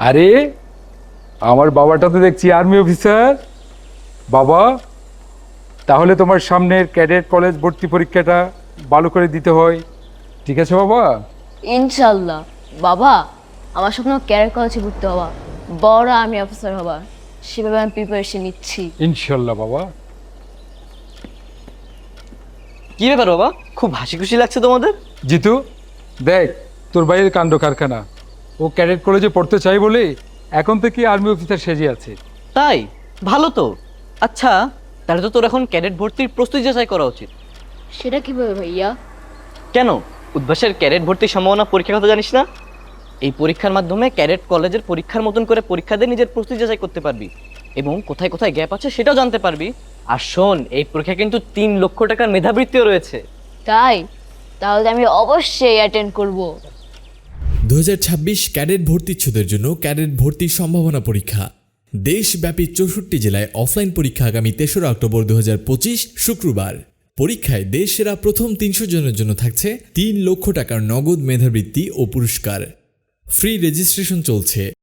আরে আমার বাবাটা তো দেখছি আর্মি অফিসার। বাবা, তাহলে তোমার সামনের ক্যাডেট কলেজ ভর্তি পরীক্ষাটা ভালো করে দিতে হয়, ঠিক আছে বাবা? ইনশাল্লাহ। বাবা, আমার স্বপ্ন ক্যারিয়ার কলেজে ভর্তি হওয়া, বড় আর্মি অফিসার হবা। সেভাবে আমি প্রিপারেশন নিচ্ছি। ইনশাল্লাহ বাবা। কি ব্যাপার বাবা, খুব হাসি খুশি লাগছে তোমাদের? জিতু, দেখ তোর ভাইয়ের কাণ্ড কারখানা। ও ক্যাডেট কলেজে পড়তে চাই বলে এখন থেকে আর্মি অফিসার সেজে আছে। তাই? ভালো তো। আচ্ছা, তাহলে তো তোর এখন ক্যাডেট ভর্তির প্রস্তুতি যাচাই করা উচিত। সেটা কিভাবে ভাইয়া? কেন, উদ্ভাসের ক্যাডেট ভর্তির সম্ভাবনা পরীক্ষার কথা জানিস না? এই পরীক্ষার মাধ্যমে ক্যাডেট কলেজের পরীক্ষার মতন করে পরীক্ষা দিয়ে নিজের প্রস্তুতি যাচাই করতে পারবি এবং কোথায় কোথায় গ্যাপ আছে সেটাও জানতে পারবি। আর শোন, এই পরীক্ষা কিন্তু 3 লক্ষ টাকার মেধাবৃত্তিও রয়েছে। তাই? তাহলে আমি অবশ্যই অ্যাটেন্ড করব। 2026 ক্যাডেট ভর্তিচ্ছুদের জন্য ক্যাডেট ভর্তির সম্ভাবনা পরীক্ষা। দেশব্যাপী 64 জেলায় অফলাইন পরীক্ষা আগামী 3রা অক্টোবর 2025 শুক্রবার। পরীক্ষায় দেশ সেরা প্রথম 300 জনের জন্য থাকছে 3 লক্ষ টাকার নগদ মেধাবৃত্তি ও পুরস্কার। ফ্রি রেজিস্ট্রেশন চলছে।